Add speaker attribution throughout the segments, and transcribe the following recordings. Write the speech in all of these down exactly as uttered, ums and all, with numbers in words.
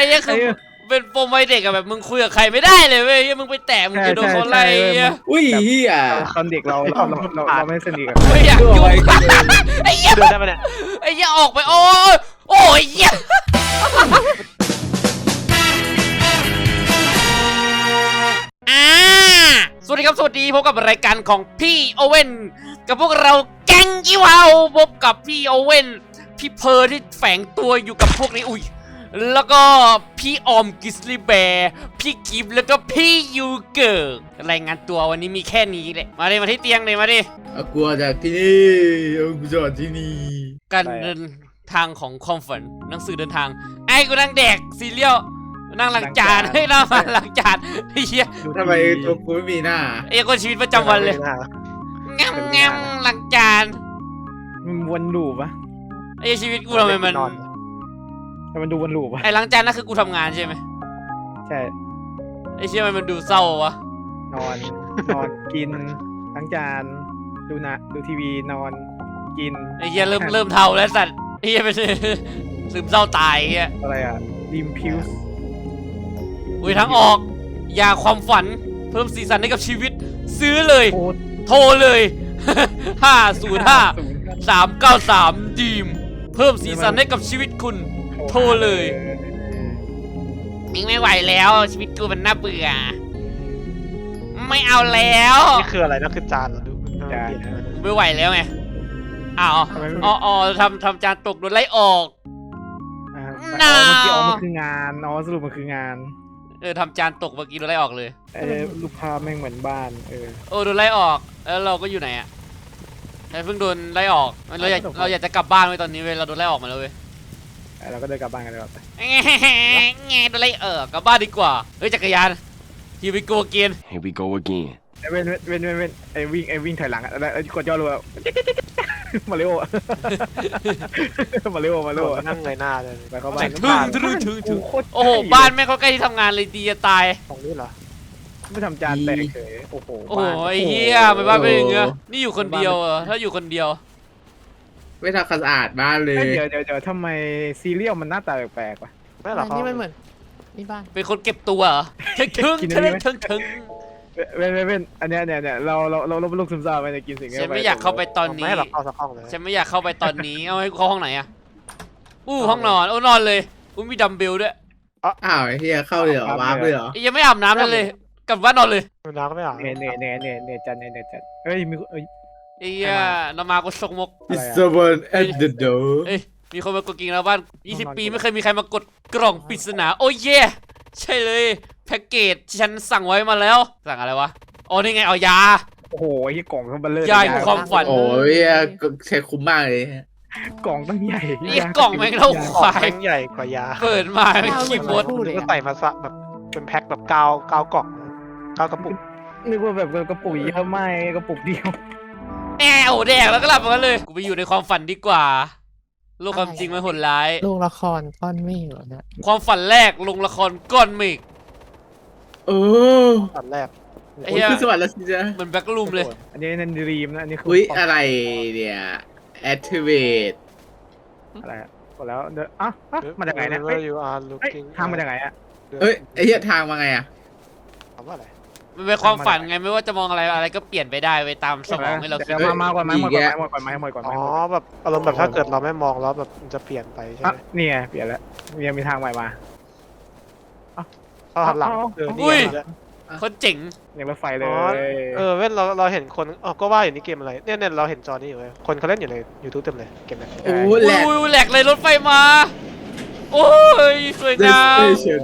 Speaker 1: อ้เนี่ยคือเป็นปมวัยเด็กอะแบบมึงคุยกับใครไม่ได้เลยเว้ยมึงไปแตะมึงจะโดนเขาไล่
Speaker 2: อุ้ยเฮีย
Speaker 3: ตอนเด็กเราเราเราเราไม่สนิทกัน
Speaker 1: ไม่อยากยุ่งไอ้เหี้ย
Speaker 4: เดินได้ปะเนี่ย
Speaker 1: ไอ้เหี้ยออกไปโอ้ยโอ้ยเหี้ยอ่าสวัสดีครับสวัสดีพบกับรายการของพี่โอเว่นกับพวกเราแก๊งยี่วาวพบกับพี่โอเว่นพี่เพอร์ที่แฝงตัวอยู่กับพวกนี้อุ้ยแล้วก็พี่ออมกิสลีแบร์พี่กิฟแล้วก็พี่ยูเกิร์รายงานตัววันนี้มีแค่นี้แหละมาดิมาที่เตียงเลยมาดิ
Speaker 2: เอากลัวจากที่นี่เอากูจอดที่นี่
Speaker 1: การเดินทางของความฝันหนังสือเดินทางไอ้กูนั่งแดกซีเรียลนั่งล้างจานให้นั่งมาล้างจานไอ้เหี้ย
Speaker 2: ทำไมตัวกูไม่มีหน้า
Speaker 1: ไอ้คนชีวิตประจำวันเลยงั้มงั้มล้างจาน
Speaker 3: มันวนลูปปะ
Speaker 1: ไอ้ชีวิตกูทำไมมัน
Speaker 3: แต่มันดูวนลูปปะ
Speaker 1: ไอ้ล้างจานนั่นคือกูทำงานใช่ไหม
Speaker 3: ใช่
Speaker 1: ไอ้เชี่ยมันดูเศร้าวะ
Speaker 3: นอนนอนกินล้างจานดูนะดูทีวีนอนกิน
Speaker 1: ไอ้เหี้ยเริ่มเริ่มเท่าแล้วสัตว์ไอ้เหี้ยเป็นซึมเศร้าตายไอ้เหี้ย
Speaker 3: อะไรอ่ะดิมพิวส์
Speaker 1: อุ้ยทั้งออกยาความฝันเพิ่มสีสันให้กับชีวิตซื้อเลยโทรเลยห้าศูนย์ห้าสามเก้าสามดีมเพิ่มสีสันให้กับชีวิตคุณโทรเลยมิงไม่ไหวแล้วชีวิตกูมันน่าเบื่อไม่เอาแล้ว
Speaker 4: นี่คืออะไรนะคือจานเหรอดู
Speaker 3: จาน
Speaker 1: ไม่ไหวแล้วไงอ้าวอ๋ออ๋อทำทำจานตกโดนไล่ออก
Speaker 3: น่าอ๋อมันคืองานอ๋อสรุปมันคืองาน
Speaker 1: เออทำจานตกเมื่อกี้โดนไล่ออกเลย
Speaker 3: เออลูกค้าแม่งเหมือนบ้านเออ
Speaker 1: โอ้โดนไล่ออกแล้วเราก็อยู่ไหนอ่ะเพิ่งโดนไล่ออกเราอยากเราอยากจะกลับบ้านไว้ตอนนี้เว้ยเราโดนไล่ออกมาแล้วเว้ย
Speaker 3: เราก็เดินกลับบ้านกันเลยไป
Speaker 1: ไงโดนไล่เออกลับบ้านดีกว่าเฮ้ยจักรยาน Here we go again
Speaker 5: Here we go again
Speaker 3: เว้นเว้นเว้นเว้นไอ้วิ่งไอ้วิ่งถอยหลังอะแล้วกดย่อรัวมาเร็วมาเร็วมาเร็ว
Speaker 4: นั่งไงหน้าเลย
Speaker 3: ไปเข้าบ้าน
Speaker 1: ถึงถึงถึงถึงโอ้โหบ้านแม่เขาใกล้ที่ทำงานเลยดีจะตาย
Speaker 4: ของนี่เหรอ
Speaker 3: ไม่ทำจานแตกเฉยโอ้โห
Speaker 1: โอ้โหไอ้เหี้ยไม่บ้านเป็นอย่างเงี้ยนี่อยู่คนเดียวอ่ะถ้าอยู่คนเดียว
Speaker 2: ไม่ทำความสะอาดบ้านเลย
Speaker 3: เดี๋ยวเดี๋ยวเดี๋ยวทำไมซีเรียลมันหน้าตาแปลกๆวะ
Speaker 4: ไม่หรอ
Speaker 6: นี่ไม่เหมือนนี่บ้าน
Speaker 1: เป็นคนเก็บตัวเหรอถึงถึงถึงถึงถึง
Speaker 3: เว้นเว้นเว้นอันเนี้ยเนี่ยเนี่ยเราเราเราเราลูกซึมเศร้าไปจะกินสิ่งนี้
Speaker 1: ฉันไม่อยากเข้าไปตอนนี้
Speaker 4: ไม่หรอกเข้าสักห้องเลย
Speaker 1: ฉันไม่อยากเข้าไปตอนนี้เอาให้เข้าห้องไหนอ่ะอู้ห้องนอนโอ้นอนเลยอู้มีดัมเบลด้วย
Speaker 2: อ้าวไอ้เฮียเข้าเลยเหรอวาร์ปเลยเหรอ
Speaker 1: ยังไม่อาบน้ำเลยกลับบ้านนอนเลย
Speaker 4: น้ำก็ไม่อาบ
Speaker 3: เนี่ยเนี่ยเนี่ยเนี่ยเนี่ยจันเนี่ยเนี่ยจันเอ้ยมีเอ้ย
Speaker 1: ไอ้เหี้ยเรามาก็ชกมก
Speaker 2: Is someone at the door
Speaker 1: เอ้ยมีคนมากดกิ่งแล้วบ้านยี่สิบปีไม่เคยมีใครมากดกล่องปริศนาโอ้ยเย่ใช่เลยแพ็กเกจที่ฉันสั่งไว้มาแล้วสั่งอะไรวะอ๋อนี่ไงเอายา
Speaker 3: โอ้โหไอ้กล่องทั้งเบลเลอร์
Speaker 1: ยาความฝัน
Speaker 2: โอ้ยใช้คุ้มมากเลย
Speaker 3: กล่องตั้งใหญ่
Speaker 1: นี่กล่องแม่งเท่าควาย
Speaker 4: ใหญ่กว่ายา
Speaker 1: เปิดมาไม่ขี้มด
Speaker 4: ก็ใส่มาซะแบบเป็นแพ็คแบบกาวกาวกล่องกาวกระปุก
Speaker 3: นึกว่าแบบกระปุกเยอะไม่กระปุกเดียว
Speaker 1: แอบโอ้แดกแล้วก็หลับมาเลยกูไปอยู่ในความฝันดีกว่าโลกความจริงมันโหดร้าย
Speaker 6: โรงละครก้อนเมฆเหรอเนี่ย
Speaker 1: ความฝันแรกลงละครก้อนเมฆ
Speaker 2: เออ
Speaker 4: ฝันแรก
Speaker 2: ไอ้เหี้ยคือสวัสดิ์แล้วสิจ๊ะ
Speaker 1: เหมือนแบ็กลูมเลย
Speaker 3: อันนี้นันดีมนะอันนี้คือ
Speaker 2: อุ้ยอะไรเนี่ย activate
Speaker 3: อะไรกดแล้วเดี๋ยวอ่ะมาจากไหนเนี่ยทางมาจากไหนอ่ะ
Speaker 2: เฮ้ยไอ้เหี้ยทางมาไงอ่ะ
Speaker 4: ทำว่าอะไร
Speaker 1: มันเป็นความฝันไงไม่ว่าจะมองอะไรอะไรก็เปลี่ยนไปได้ไปตามสมองให้เราคิด
Speaker 3: มามาก่อนไหมหมดก่อนไหมหมดก่อนไหมหมดก่อนไหม
Speaker 4: อ๋อแบบอารมณ์แบบถ้าเกิดเราไม่มองแล้วแบบมันจะเปลี่ยนไปใช่ไหม
Speaker 3: นี่ไงเปลี่ยนแล้วยังมีทางใหม่มา
Speaker 4: เข้าหันหลัง
Speaker 1: อุ้ยคนเจ๋ง
Speaker 3: อย่างรถไฟเลย
Speaker 4: เออเว้นเราเราเห็นคนอ๋อก็ว่าอยู่นี่เกมอะไรเนี่ยเนี่ยเราเห็นจอนี้อยู่เลยคนเขาเล่นอยู่ในยูทูบเต็มเลยเกมนี้
Speaker 2: โอ้
Speaker 1: แหลกแหลกเลยรถไฟมาโอ้ยสวยงาม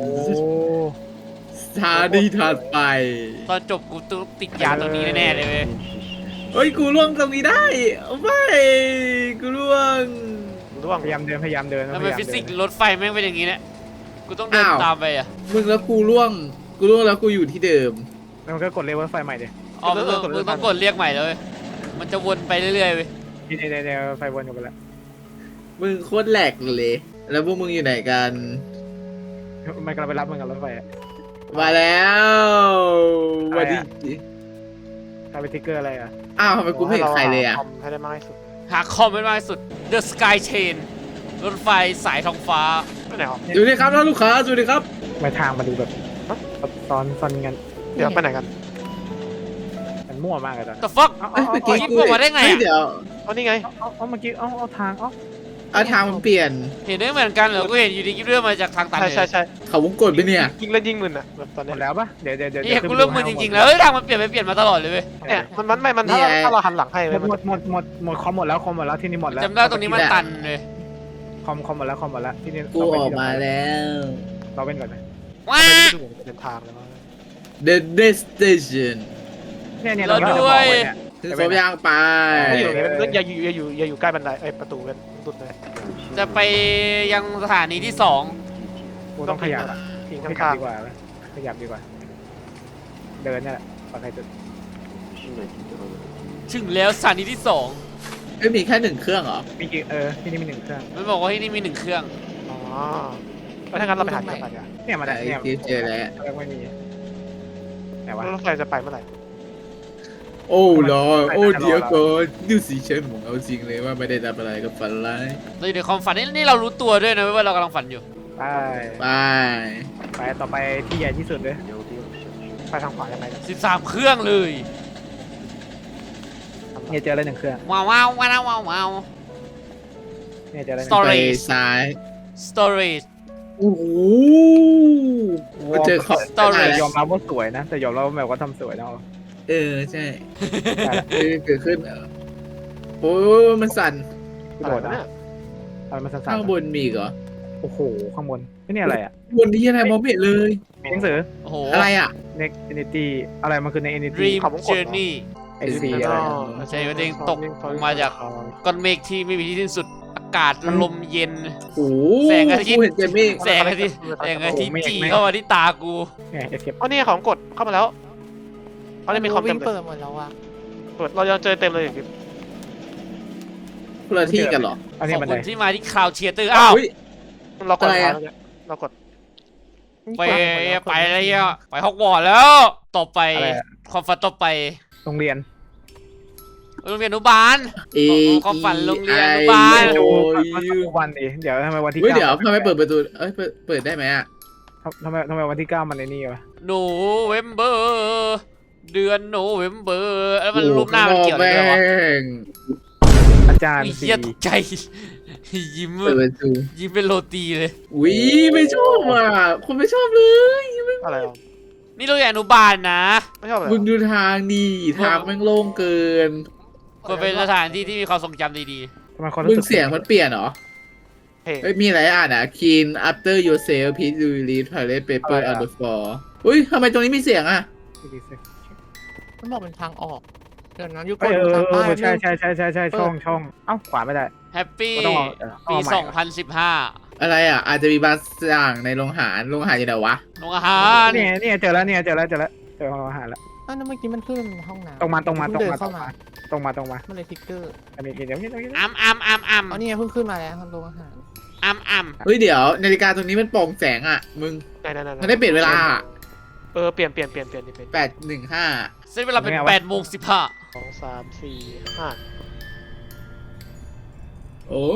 Speaker 2: สถานีถัดไป
Speaker 1: ตอนจบกูต้องติดยาตัวนี้แน่ๆเลยเว้ย
Speaker 2: เฮ้ยกูล่วงตรงนี้ได้ไม่กูล่วง
Speaker 4: ล่วง
Speaker 3: พยายามเดินพยายามเดิน
Speaker 1: แล้วเป็นฟิสิกส์รถไฟแม่งเป็นอย่างนี้เนี่ยกูต้องเดินตามไปอ่ะ
Speaker 2: มึงแล้วกูล่วงกูล่วงแล้วกูอยู่ที่เดิม
Speaker 3: แล้วมันก็กดเรียกรถไฟใหม่ดิ
Speaker 1: อ๋อมึงต้องกดเรียกใหม่เลยมันจะวนไปเรื่อยๆเว้ย
Speaker 3: นี่นี่นี่ไฟวนอยู่กันแล้ว
Speaker 2: มึงโคตรแหลกเลยแล้วพวกมึงอยู่ไหนกัน
Speaker 3: มันกำลังไปรับมึงกับรถไฟ
Speaker 2: มาแล้ววันนี้
Speaker 3: ทำเป็นติ๊กเกอร์อะไรอ่ะ
Speaker 2: อ้าวทำไมกูไม่เห็นใครเลยอ่ะ
Speaker 4: ให้ได้มากที่สุด
Speaker 1: หาคอมไม่มากที่สุด The Sky Chain รถไฟสายท้องฟ้า
Speaker 4: ไปไหนอ่ะ
Speaker 2: สวัสดีครับท่านลูกค้าสวัสดีครับ
Speaker 3: ไปทางมาดูแบบซ้อนซ้อนกัน
Speaker 4: เดี๋ยวไปไหนกัน
Speaker 3: มันมั่วมากเลยตอนนั้น
Speaker 1: the fuck
Speaker 3: เอา
Speaker 2: เอ้ย
Speaker 3: เอา
Speaker 2: เมื่อ
Speaker 3: เอา
Speaker 2: กี้
Speaker 1: ยิงผมมาได้ไงอะ
Speaker 2: เฮ้ยเดี๋ยว
Speaker 4: เอานี่ไง
Speaker 3: เอาเอาเมื่อกี้เอาเอาทางเอา
Speaker 2: เอาทางมันเปลี่ยน
Speaker 1: เห็นได้เหมือนกันเหรอกูเห็นอยู่ดีกิ๊บเรื่องมาจากทางตัน
Speaker 4: ใช่
Speaker 1: เลย
Speaker 4: ใช่ใช่
Speaker 2: เขาวงกดไปเนี่ย
Speaker 4: ยิงแล้วยิงมึนอ่ะแบบตอน
Speaker 3: หม
Speaker 4: เนี้ย
Speaker 3: ดแล้วปะเดี๋ยวเดี๋ยวเดี๋ยว
Speaker 1: เฮียกูเริ่มมึนจริงๆแล้วเฮ้ยทางมันเปลี่ยนไปเปลี่ยนมาตลอดเลยเว้ย
Speaker 4: เนี่ยมันมันไม่มันถ้า
Speaker 2: นี่ไง
Speaker 4: ถ้าเราหันหลังให้
Speaker 3: หม
Speaker 4: เว้ย
Speaker 3: ด
Speaker 4: มัน
Speaker 3: หมดหมดหมดหมดคอมหมดแล้วคอมหมดแล้วที่นี่หมดแล้ว
Speaker 1: จำได้ตรงนี้มันตันเลย
Speaker 3: คอมคอมหมดแล้วคอมหมดแล้วที่นี่
Speaker 2: กูออกมาแล้ว
Speaker 3: เราเป็นก่อนนะ
Speaker 1: ว้า
Speaker 4: ไม่ได้ดูเดินทางเลยว่า
Speaker 2: The destination
Speaker 3: เนี่ยเนี่ย
Speaker 1: เรา
Speaker 3: เรา
Speaker 1: ด้วย
Speaker 3: เนี่ย
Speaker 2: ถึงสมยางไป
Speaker 4: ไม่อยู่ตรงนี้มันอย่าอยู่อย่าอยู่อย่าอยู่ใกล้บันไดไอ้ประตูกันสุดเลย
Speaker 1: จะไปยังสถานีที่สอง
Speaker 3: กูต้องขยับอะ
Speaker 4: ทิ้ง
Speaker 3: ขยั
Speaker 4: ข้า
Speaker 3: บ
Speaker 4: ง
Speaker 3: ดีกว่าไหมขยับดีกว่า เดินเนี่ยแหละปลอดภัยสุด
Speaker 1: ถึงแล้วสถานีที่สอง
Speaker 2: เอ้ยมีแค่หนึ่งเครื่องเหรอ
Speaker 3: มีกี่เออที่นี่มีหนึ่งเครื่อง
Speaker 1: มันบอกว่าที่นี่มีหนึ่งเครื่อง
Speaker 4: ๆอ๋อแล้วถ้างั้นเราไปหาที่ไหนกัน
Speaker 3: เนี่ยมาได้
Speaker 2: ไอ้
Speaker 3: เนี่ย
Speaker 2: ที่เจอแล้ว
Speaker 3: เรื่องไม่มีไหนวะ
Speaker 4: รถไฟจะไปเมื่อไหร่
Speaker 2: โอ้ลอย
Speaker 3: ไป
Speaker 2: โอ้
Speaker 3: ไป
Speaker 2: เดี๋ยว
Speaker 3: รอ
Speaker 2: ก่อนดูสิฉันหมองเอาจริงเลยว่าไม่ได้ทำอะไรกับฝันร้าย
Speaker 1: เราอยู่ในความฝันนี่นี่เรารู้ตัวด้วยนะว่าเรากำลังฝันอยู่
Speaker 3: ไป
Speaker 2: ไป
Speaker 3: ไปต่อไปที่ใหญ่ที่สุดเลย
Speaker 4: ไปทางขวายังไงนะ
Speaker 1: สิบสามเครื่องเลย
Speaker 3: เนี่ยเจอแล้วหนึ่งเครื่อง
Speaker 1: ว้าวว้าวว้าวว้าวว้าว
Speaker 3: เนี่ยเจอแล้วหนึ่ง
Speaker 1: Sorry
Speaker 2: ไป
Speaker 1: Storage
Speaker 2: ซ้าย
Speaker 1: storage
Speaker 2: โอ้โหมาเจอขอบ
Speaker 1: Storage
Speaker 3: แต่ยอมรับว่าสวยนะ แต่ยอมรับว่าแบบว่าทำสวยนะ
Speaker 2: เออใช่เออเกิดขึ้นเออโอ้มันสั่น
Speaker 3: กระโดดนะอะไรมันสั่น
Speaker 2: ข้างบนมีอีกเหรอ
Speaker 3: ๆโอ้โห ข้างบนนี่อะไรอ่ะ
Speaker 2: บนที่อะไรมองไม่เห็นเลย
Speaker 3: มีหนังสือ
Speaker 1: โอ้โห
Speaker 2: อะไรอ่ะ
Speaker 3: next entity อะไรมันคือใน entity
Speaker 1: dream
Speaker 4: เขาวงกดเหรอ
Speaker 1: journey
Speaker 3: ไอซีอะไรนะ
Speaker 1: ใช่ว่าเด้งตกลงมาจาก ก้อนเมฆที่ไม่มีที่สิ้นสุดอากาศลมเย็น
Speaker 2: โอ้
Speaker 1: แสงอาทิตย์
Speaker 2: กูเห็นเจมี่
Speaker 1: แสงอาทิตย์แสงอาทิตย์จีเข้ามาที่ตากู
Speaker 3: เนี่ย escape
Speaker 4: อ๋อนี่ของกดเข้ามาแล้วเขาจะมีคอมเต็
Speaker 6: วิ่
Speaker 4: ม
Speaker 6: ง
Speaker 4: เล
Speaker 6: เปิ
Speaker 4: ย
Speaker 6: ดหมดแล้วอะ
Speaker 4: เปิดเรายังเจอเต็มเลยอย่างนี้
Speaker 2: คนละที่กันเหรอ
Speaker 3: อัน
Speaker 1: ข
Speaker 3: นี้
Speaker 1: อบ
Speaker 3: บัน
Speaker 1: คุ
Speaker 3: ได
Speaker 1: ณที่มาที่คลาวเชียเตอร์อ้าว
Speaker 2: อุ๊ย
Speaker 4: เรากด
Speaker 2: อะไรอะ
Speaker 4: เรากด
Speaker 1: ไปไปอะไรอ่ะไปฮอกวอตส์แล้ว ต่อไป
Speaker 3: อะไรอะ
Speaker 1: ความฝันต่อไป
Speaker 3: โรงเรียน
Speaker 1: โรงเรียนอนุบาล
Speaker 2: เอ
Speaker 1: ความฝันโรงเรียนอนุบาล
Speaker 2: โอ้ย
Speaker 3: วันเองเดี๋ยวทำไมวันที่
Speaker 2: เฮ้ย
Speaker 3: เก้า
Speaker 2: เดี๋ยวทำไมเปิดประตูเอ้ยเปิดเปิดได้ไหมอ่ะ
Speaker 3: ทำไมทำไมวันที่เก้ามันในนี่วะ
Speaker 1: โนเวมเบอร์เดือนโนเวมเบอร์แล้วมันรูปหน้ามันเกี่ยวอะไรด้วยวะ
Speaker 2: แม่ง
Speaker 3: อาจารย์
Speaker 1: ไอ้
Speaker 3: สี
Speaker 1: เหี้ยตกใจ ยิ้ม
Speaker 2: เปิดประตู
Speaker 1: ยิ้มเป็นโรตีเลย
Speaker 2: วิไม่ชอบอ่ะคนไม่ชอบเลย
Speaker 4: อะไรอ่ะ
Speaker 1: นี่โรงเรียนอนุบาลนะ
Speaker 4: ไม่ชอบเลย
Speaker 2: มึงดูทางดีทางแม่งโล่งเกิน
Speaker 1: ควรเป็นสถานที่ที่มีความทรงจำดี
Speaker 3: ทำไมคน
Speaker 2: มึ
Speaker 3: รู้
Speaker 2: ง
Speaker 3: สึก
Speaker 2: เสียงมันเปลี่ยนเหรอ
Speaker 4: เพลง
Speaker 2: เฮ้ยมีอะไรอ่านอ่ะ clean after yourself please do read toilet paper on the floor อุ้ยทำไมตรงนี้มีเสียงอ่ะ
Speaker 6: มันบอกเป็นทางออกเดี๋ยวนั้นยุค
Speaker 3: เออเออ
Speaker 6: ทาง
Speaker 3: เอ
Speaker 6: ใต้
Speaker 3: อใช่ใช่ใช่ใช่ใช่ช่องช่องเอ้าขวาไม่ได้
Speaker 1: ๆ แฮปปี้
Speaker 3: ก็ต้องเอาเออเอา
Speaker 1: ปี
Speaker 3: ใหม่
Speaker 1: สองพันสิบห้า
Speaker 2: อะไรอ่ะ อาจจะมีบางอย่างในโรงอาหารโรงอาหารอยู่ไหนวะ
Speaker 1: โรงอาหาร
Speaker 3: เนี่ยเนี่ยเจอแล้วเนี่ยเจอแล้วเจอแล้วเจอห้องอาหารแล้ว
Speaker 6: อ้าวนั่นเมื่อกี้มันขึ้นเป็นห้องน้ำ
Speaker 3: ตรงมาตรงมาตรง
Speaker 6: เพิ่เดิ
Speaker 3: มาน ตร
Speaker 6: เข้าง มา
Speaker 3: มาตรงมาตรงมา
Speaker 6: มันเลยทิกเกอร์
Speaker 3: อันนี้เดี๋ยวนี้เดี๋ยวนี้
Speaker 1: อัมอัมอัมอัม
Speaker 6: อ๋อนี่ไงเพิ่งขึ้นมาแล้วทางโรงอาหาร
Speaker 1: อัมอัม
Speaker 2: เฮ้ยเดี๋ยวนาฬิกาตรงนี้มันโปร่งแสงอ่ะ มึง
Speaker 4: ไหนไหนไหน
Speaker 2: มันได้เปลี่ยนเวลา
Speaker 4: เออเปลี่ยนเปลี่ยนเปลี่ยนเปลี่ยนเปลี่ยน
Speaker 2: แปดหนึ่งห้า
Speaker 1: เส้นเวลาเป็นแปดโมงสิบห้า
Speaker 4: สองสามสี่ห้า
Speaker 2: โอ้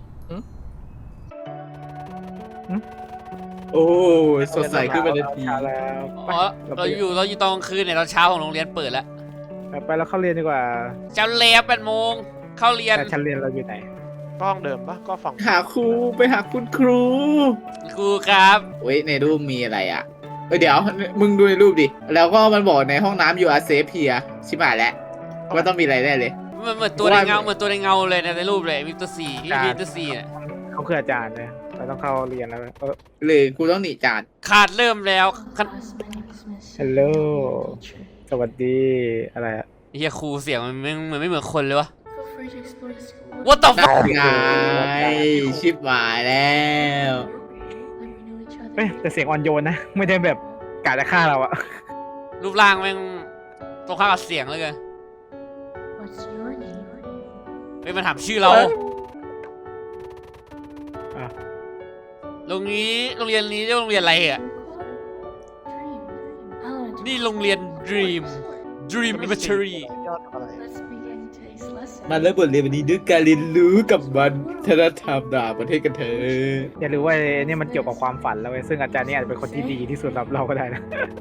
Speaker 2: โอ้สดใสขึ้นมาทันที
Speaker 3: ช้าแล้ว
Speaker 1: อ๋อเราอยู่เราอยู่ตอนกลางคืนเนี่ยตอนเช้าของโรงเรียนเปิดแล้ว
Speaker 3: ไปไปแล้วเข้าเรียนดีกว่า
Speaker 1: เช้าเลียแปดโมงเข้าเรียน
Speaker 3: แต่ชั้นเรียนเราอยู่ไหน
Speaker 4: ก็ห้องเดิมปะก็ฝั่ง
Speaker 2: หาครูไปหาคุณครู
Speaker 1: ครูครับ
Speaker 2: เว้ยในรูปมีอะไรอ่ะเอ้ยเดี๋ยวมึงดูในรูปดิ แล้วก็มันบอกในห้องน้ำอยู่อาเซฟเพียชิบหายแล้วว่าต้องมีอะไรแน่เลย
Speaker 1: มันเหมือนตัวในเงาเหมือนตัวในเงาเลยในรูปเลยมิสเตอร์ซีมิสเตอร์ซีเนี่ย
Speaker 3: เขาคืออาจารย์เลยเราต้องเข้าเรียนแล้วเออ
Speaker 2: หรือกูต้องหนีจาน
Speaker 1: ขาดเริ่มแล้วคัน
Speaker 3: ฮัลโหลสวัสดีอะไรอะ
Speaker 1: เฮียครูเสียงมันไม่เหมือนไม่เหมือนคนเลยวะ What the
Speaker 2: นั่
Speaker 1: fuck
Speaker 2: นไงชิบหายแล้ว
Speaker 3: เอ้ยแต่เสียงอ่อนโยนนะ ไม่ได้แบบกะจะฆ่าเราอะ
Speaker 1: รูปร่างแม่งตรงข้ามกับเสียงเลยกันเฮ้ยมันถามชื่อเราโรงนี้โรงเรียนนี้เรียกว่าโรงเรียนอะไรอ่ะนี่โรงเรียน Dream Dream Elementary
Speaker 4: ยอดอะไร
Speaker 5: Let's begin today's lesson.
Speaker 2: มาเริ่มบทเรียนวันนี้ด้วยการเรียนรู้กับวัฒนธรรมต่างประเทศกันเถอะ
Speaker 3: อย่ารู้ว่าเนี่ยมันเกี่ยวกับความฝันแล้วเว้ยซึ่งอาจารย์เนี่ยอาจจะเป็นคนที่ดีที่สุดสำหรับเราก็ได้นะ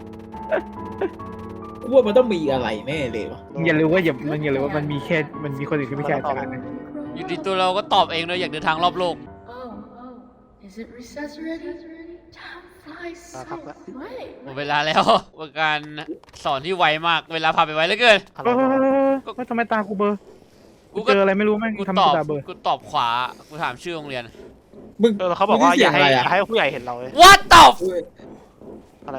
Speaker 2: กูว่ามันต้องมีอะไรแน่เลยวะ
Speaker 3: อย่ารู้ว่าอย่ามันอย่ารู้ว่ามันมีแค่มันมีคนอื่นที่ไม่ใช่อาจารย์นะ
Speaker 1: อยู่ดีตัวเราก็ตอบเองเลยอยากเดินทางรอบโลก
Speaker 5: Oh, oh, is it recess already? Time flies so
Speaker 4: Uh, pop-
Speaker 5: quick.
Speaker 1: หมดเวลาแล้วเป็นการสอนที่ไวมากเวลาผ่านไปไวเหลือเกิน
Speaker 4: อะไร
Speaker 3: เออ
Speaker 4: วะ
Speaker 3: ก็ทำไมตากูเบลอร์
Speaker 1: กู
Speaker 3: กู
Speaker 1: ก็
Speaker 3: เจออะไรไม่รู้แม่ง
Speaker 1: กู
Speaker 3: ทำ
Speaker 1: ต
Speaker 3: ให้
Speaker 1: อบ
Speaker 3: ตาเบลอร์
Speaker 1: กูตอบขวากูถามชื่อโรงเรียน
Speaker 2: มึง
Speaker 4: เออเขาบอกว่าอย่าให้
Speaker 2: มึงได้
Speaker 4: อ
Speaker 2: เสีงะไร
Speaker 4: ย่าให้ผู้ใหญ่เห็นเราเลย
Speaker 1: What the f-
Speaker 4: อะไร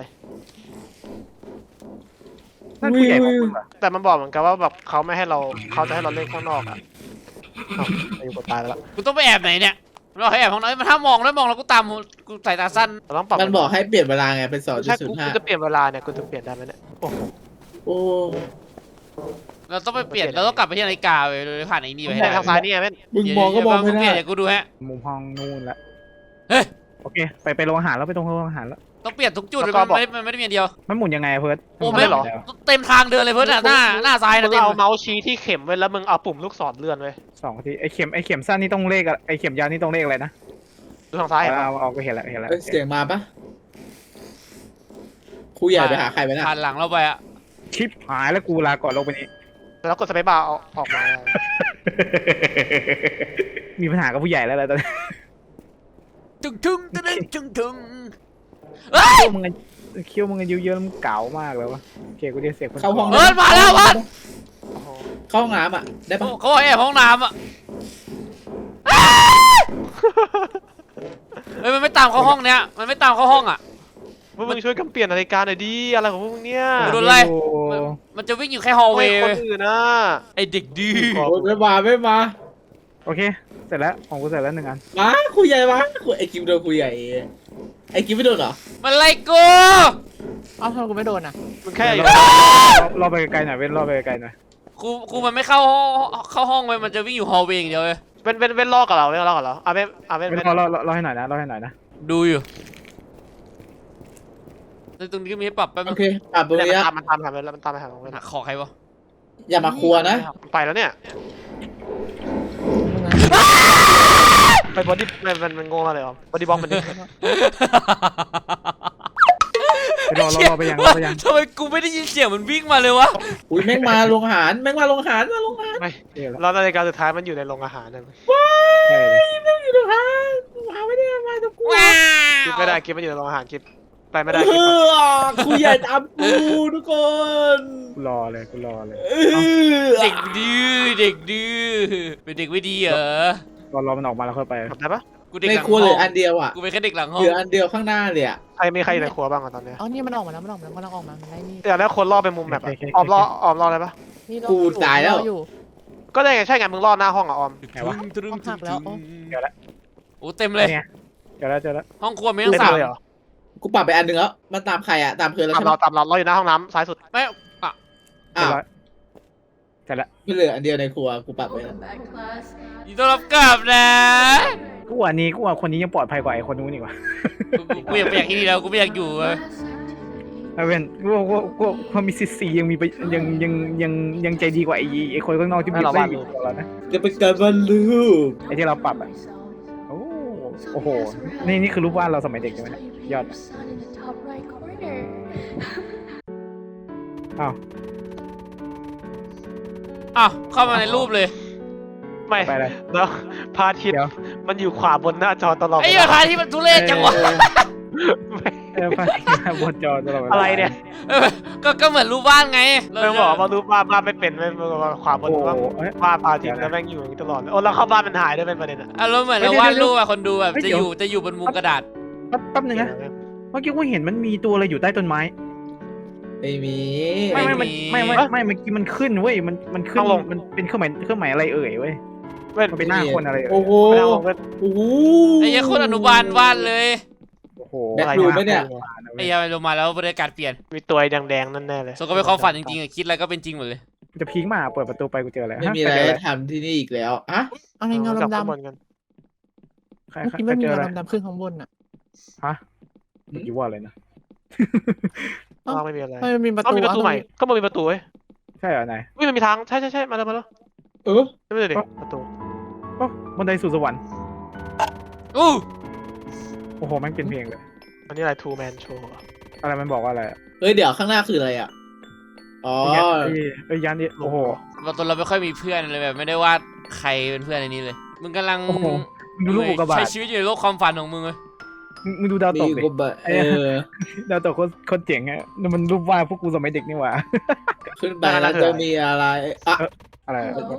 Speaker 3: นั่นผู้ใหญ่ของมึงเหรอ
Speaker 4: แต่มันบอกเหมือนกันว่าแบบเขาไม่ให้เราเขาจะให้เราเล่นข้างนอกอ่ะอ้าวอายุกดตายไปแล้ว
Speaker 1: กูต้องไปแอบไหนเนี่ยเราให้แอบห้องน้ำมันถ้ามองแล้วมองแล้วกูตามกูสายตาสั้น
Speaker 4: เราต้องปรับ
Speaker 2: มันบอกให้เปลี่ยนเวลาไงเป็นสองจุด
Speaker 4: ใช่
Speaker 2: ศูน
Speaker 4: กู
Speaker 2: ย์ห้า
Speaker 4: กูจะเปลี่ยนเวลาเนี่ยกูจะเปลี่ยนได้ไหมเนี่ยโอ้โห
Speaker 2: โอ้
Speaker 1: เราต้องไปเปลี่ยนเราต้องกลับไปที่นาฬิกาไปโดยผ่านไอ้นี่ไปให้
Speaker 4: แต่
Speaker 1: ได้
Speaker 4: ทางซ้ายนี่ไงแม่น
Speaker 2: มึงมองก็มองไม่
Speaker 1: เปลี่ยน
Speaker 2: ได้
Speaker 1: เดี๋ยวกูดูฮะ
Speaker 3: มุมห้องนู่นละ
Speaker 1: เฮ้ย
Speaker 3: โอเคไปไปโรงอาหารแล้วไปตรงโรงอาหารแล้ว
Speaker 1: ต้องเปลี่ยนทุกจุดเลยมันไม่ได้มันไม่ได้มีอันเดียว
Speaker 3: มันหมุนยังไงอะเพิร์ด
Speaker 1: โอ้ไม่หรอเต็มทางเดินเลยเพื่อนอะหน้าหน้าซ้าย
Speaker 4: มึ
Speaker 1: นะ
Speaker 4: ง
Speaker 1: เต็ม
Speaker 4: เอาเมาส์ชี้ที่เข็มไว้แล้วมึงเอาปุ่มลูกศรเลื่อนไว้
Speaker 3: สองทีไอเข็มไอเข็มสั้นนี่ต้องเลขอะไอเข็มยาวนี่ต้องเลขอะไรนะ
Speaker 4: ดูทางซ้ายเห็นปะ
Speaker 3: เอาเอาไปเห็นแล้วเห็นแล้ว
Speaker 2: เอ้ยเสียงมาปะครูใหญ่ไปหาใครไปนะ
Speaker 1: ผ่านหลังเราไปอะ
Speaker 3: ชิปหายแล้วกูลาก่อนลงไปนี้
Speaker 4: แล้วกดสเปซบาร์เอาออกมา
Speaker 3: มีปัญหากับผู้ใหญ่แล้วแหละตอนนี้
Speaker 1: ตึงตึงตึงตึงตึงเฮ้ย
Speaker 3: เคี้ยวมึงอะเคี้ยวมึงอายุเยอะแล้วมึงเก๋ามากเลยวะโอเคกูเรียกเสียงคน
Speaker 2: เข้าห้อง
Speaker 1: เอิร์ดมาแล้ววัด
Speaker 4: โอ้โห
Speaker 2: เข้าห้องน้ำอ่ะได้ปะ
Speaker 1: เขาบอกแอบห้องน้ำอะเฮ้ยมันไม่ตามเข้าห้องเนี้ยมันไม่ตามเข้าห้องอะ
Speaker 4: พวกมึงช่วยกันเปลี่ยนนาฬิกาหน่อยดิอะไรของพวกมึงเนี่ย
Speaker 1: กูโดนไล่
Speaker 3: โอ้
Speaker 1: มันมันจะวิ่งอยู่แค่ฮอล
Speaker 4: ทำ
Speaker 1: เว
Speaker 4: ไม
Speaker 1: ย์
Speaker 4: คนอื่นนะ
Speaker 1: ไอเด็กดื้อ
Speaker 2: โอ้ยไม่มาไม่มา
Speaker 3: โอเคเสร็จแล้วของกูเสร็จแล้วหนึ่งอัน
Speaker 2: มาครูใหญ่มาครูไอกิมโดนครูใหญ่ไอกิมไม่โดนเหรอ
Speaker 1: มันไล่กู
Speaker 6: เอ้าทำไมกูไม่โดนอ่ะ
Speaker 4: มึงแค่อยู่
Speaker 3: รอรอไปไกลๆหน่อยเว้นรอไปไกลๆหน่อย
Speaker 1: ครูครูมันไม่เข้าห้องเข้าห้องไปมันจะวิ่งอยู่ฮอลเวย์อย่างเดียวเลย
Speaker 4: เป็นเป็นเป็นลอกกับเราเป็นลอกกับเราอ่ะเป็นอ่ะเป็น
Speaker 3: เว้
Speaker 4: เป็น
Speaker 3: นรอรอรอรอให้หน่อยนะรอให้หน่อยนะ
Speaker 1: ดูอยู่ในตรงนี้ก็มีให้ปรับแป๊บนึ
Speaker 2: โอง เคปรับตรง
Speaker 4: เนี่ย
Speaker 2: นี้
Speaker 4: มัน
Speaker 2: ละ
Speaker 4: ตามมันตามไปหาแล้วมันตามไปหาของเว้น
Speaker 1: หักคอใครวะ
Speaker 2: อย่ามาครัวนะ
Speaker 4: ไปแล้วเนี่ย
Speaker 6: มึงอะ
Speaker 4: ไปบอดี้มันมันมันโง่มากเลยอ่ะบอดี้บล็อกมันดิ
Speaker 3: ไปรอรอรอไปยังรอไปยัง
Speaker 1: ทำไมกูไม่ได้ยินเสียงมันวิ่งมาเลยวะ
Speaker 2: อุ้ยแม่งมาโรงอาหารแม่งมาโรงอาหารมาโรงอาหาร
Speaker 4: ไม่
Speaker 3: เดี๋ยวละ
Speaker 4: แล้วนาฬิกาสุดท้ายมันอยู่ในโรงอาหารนั่น
Speaker 3: ใช่เลย
Speaker 2: แม่งอยู่โรงอาหารหาไม่ได้มาตะกู
Speaker 1: ว้า
Speaker 4: กิน
Speaker 1: ว
Speaker 4: ไม่ได้กินมันอยู่ในโรงอาหารกินไปไม่ได้
Speaker 2: เอ
Speaker 4: กิน
Speaker 2: อครูใหญ่ตามกูทุกคน
Speaker 3: กูรอเลยกูรอเลย
Speaker 2: เออ
Speaker 1: เด็กดื้อเด็กดื้อเป็นเด็กไม่ดีเหรอ
Speaker 3: รอรอมันออกมาแล้วค่อยไป
Speaker 4: ทำได้ปะ
Speaker 1: กูเด็ก
Speaker 2: ใน
Speaker 1: หลัง
Speaker 2: ครัว
Speaker 1: ห้
Speaker 2: เหลื
Speaker 1: อ
Speaker 2: อง อันเดียวอ่ะ
Speaker 1: กูเป็นแค่เด็กหลังห้อ
Speaker 2: เห
Speaker 1: ง
Speaker 2: ลืออันเดียวข้างหน้าเลยอ่ะ
Speaker 4: ใครมีใครอยู่ในครัวบ้างอ่ะตอนเนี้ย
Speaker 6: เอ้านี่มันออกมาแล้วมันออกมาแล้วมันกำลังออกมามันไล่นี่
Speaker 4: อยากได้คนรอบไปมุมแบบอะออมรอออมรออะไรปะ
Speaker 6: นี่รอ
Speaker 2: กูตายแล้ว
Speaker 6: รออยู่
Speaker 4: ก็ได้ไงใช่ไงมึงรอหน้าห้องอ่ะออม
Speaker 3: ไหนวะ
Speaker 1: ตรึง
Speaker 6: ห้องหักแล้ว
Speaker 1: ตรึง
Speaker 3: เดี๋ยวละ
Speaker 1: โอ้เต็มเลย
Speaker 3: เนี่ยเจอแล้วเจอแล้ว
Speaker 1: ห้องครัวมีทั้ง
Speaker 4: เล่น
Speaker 1: สาม
Speaker 4: เลยเหรอ
Speaker 2: กูปรับไปอันหนึ่งแล้วมันตามใครอ่ะตามเพื่อนแล้ว
Speaker 4: ตาม
Speaker 2: ใช่ไหม
Speaker 4: เราตามเราเราอยู่หน้าห้องน้ำซ้ายสุด
Speaker 1: ไม่อ่ะ
Speaker 2: อ้าว
Speaker 3: เสร็จแล้ว
Speaker 2: ไม่เหลืออันเดียวในครัวกูปรับไปแล้ว
Speaker 5: Welcome back, class.
Speaker 1: ยินดีต้อนรับกลับนะ
Speaker 3: กูว่านี้กูว่าคนนี้ยังปลอดภัยกว่าไอ้คนนู้นอีกว่ะ
Speaker 1: กูกูอยากไปอยากที่นี่แล้วกูไม่อยากอยู่เว้ย
Speaker 5: Class activity.
Speaker 3: ไอ้เว้นกูว่ากูว่ากูว่าความมีสิทธิ์สี่ยังมีไปยังยังยังยังใจดีกว่าไอ้ไอ้คนข้างนอกที่มีไม่มีตัวเรานะ
Speaker 2: จะเป็นการบรรลุป
Speaker 3: ไอ้ที่เราปรับอ่ะ โอ้โอ้โห นี่นี่คือรูปวาดเราสมัยเด็กใช่ไหมเนี่ยยอด
Speaker 5: Sun in the top right corner.
Speaker 3: อ้าว
Speaker 1: อ้าวเข้ามาในรูปเลย
Speaker 4: ไม่
Speaker 3: ไปเลย
Speaker 4: แล้วพระอาทิตย์
Speaker 3: เดี๋ยว
Speaker 4: มันอยู่ขวาบนหน้าจอตลอด
Speaker 1: ไอ้
Speaker 4: เว
Speaker 1: เหี้ย
Speaker 4: ลา
Speaker 1: ทายที่มันทุเรศจังวะ
Speaker 3: เออไปบนจอตลอดวลา
Speaker 4: อะไรเนี่ย
Speaker 1: เออก็ก็เหมือนรูปบ้านไง
Speaker 4: เรื่องบอกว่ารู้บ้านบ้านไม่เป็นไม่ขวาบ
Speaker 3: โอ้
Speaker 4: น
Speaker 3: โห
Speaker 4: ว่า
Speaker 3: เอ้ย
Speaker 4: บ้านพระอาทิตย์แล้วแม่งอยู่อย่างนี้ตลอดเลยโอ้แล้วเข้าบ้านมันหายด้วยเป็นประเด็นอะ
Speaker 1: อารมณ์เหมือนเรา
Speaker 3: เดี๋ยว
Speaker 1: วาด
Speaker 3: เดี๋ยว
Speaker 1: รูปอะคนดูแบบ
Speaker 3: เฮ้ย
Speaker 1: จะ
Speaker 3: เดี๋
Speaker 1: อ
Speaker 3: ยว
Speaker 1: ยู่จะอยู่บนมุมกระดาษ
Speaker 3: แป๊บแป๊บนึงนะ เมื่อกี้กูเห็นมันมีตัวอะไรอยู่ใต้ต้นไม้
Speaker 2: ไม่มี
Speaker 3: ไม่ไม่
Speaker 1: ไม่
Speaker 3: มัน
Speaker 1: มี
Speaker 3: ไม่ไม่ไม่เมื่อกี้มันขึ้นเว้ย มันมันขึ้น มันเป็นเครื่องหมายเครื่องหมายอะไรเอ่ยเว้ย
Speaker 4: เว้น
Speaker 3: มันเป็นหน้าคนอะไรเอ่ย
Speaker 2: โอ้โห
Speaker 4: ไม่ได้บอกเว้น
Speaker 2: โอ้โห
Speaker 1: ไอ้เหี้ยคนอนุบาลวาดเลย
Speaker 3: โอ้โห
Speaker 2: แบ็ครูมไหมเนี่ย
Speaker 1: ไอ้เหี้ยลงมาแล้วบรรยากาศเปลี่ยน
Speaker 4: มีตัวแดงๆนั่นแน่เลย
Speaker 1: ส่วนก็เป็นความฝันจริงๆอะคิดอะไรก็เป็นจริงหมดเลย
Speaker 3: จะพีคมาเปิดประตูไปกูเจออะไร
Speaker 2: ไม่มีอะไรให้ทำที่นี่อีกแล้วอะ
Speaker 6: เอาในเงา
Speaker 4: จับ
Speaker 6: ดำ
Speaker 4: ข้างบ
Speaker 6: ๆ
Speaker 4: นกัน
Speaker 3: ใคร
Speaker 6: เมื่อ
Speaker 3: ใคร
Speaker 6: กี้ไม่มี
Speaker 3: เจอ
Speaker 6: เงา
Speaker 3: อะไร
Speaker 6: ดำๆขึ้นข้างบนอ่ะ
Speaker 3: ฮะเมื่อกี้ว่าอะไรนะ
Speaker 4: ข้างล่างไม่มีอะไร
Speaker 6: ไม่มีประ
Speaker 4: ต้อง
Speaker 6: ตู
Speaker 4: มีประตู
Speaker 6: อ่ะ
Speaker 4: ใหม่ก็มันมีประตูเว้ย
Speaker 3: ใช่เหรอไหน
Speaker 4: วิ่งมันมีทางใช่ใช่ใช่มาเลยมาเลย
Speaker 2: เอเออ
Speaker 4: ไม่ได้ดิประตู
Speaker 3: โอ้บันไดสู่สวรรค์
Speaker 1: อู้
Speaker 3: โอ้โหแม่งเป็นเพลงเลย
Speaker 4: อันนี้อะไร two man show
Speaker 3: อะไรมันบอกว่าอะไรอะ
Speaker 2: เฮ้ยเดี๋ยวข้างหน้าคืออะไรอ่ะอ๋อ
Speaker 3: ไอ้ไอ้ยานนี่โอ้โห
Speaker 1: เราตัวเราไม่ค่อยมีเพื่อนเลยแบบไม่ได้ว่าใครเป็นเพื่อนในนี้เลย มึงกำลัง
Speaker 3: โอ้โหมึงดูลูกอุกกาบาต
Speaker 1: ใช้ชีวิตอยู่ในโลกความฝันของมึงเลย
Speaker 3: มึงมึงดูดาวตก
Speaker 2: มี
Speaker 3: ดิ
Speaker 2: กบะเออ
Speaker 3: ดาวตกโคตรโคตรเจ๋งอะนี่มันรูปวาดพวกกูสมัยเด็กนี่หว่า
Speaker 2: ขึ้นไปแล้วจะมีอะไรอ่ะ
Speaker 3: อะไรอะ
Speaker 5: Hello?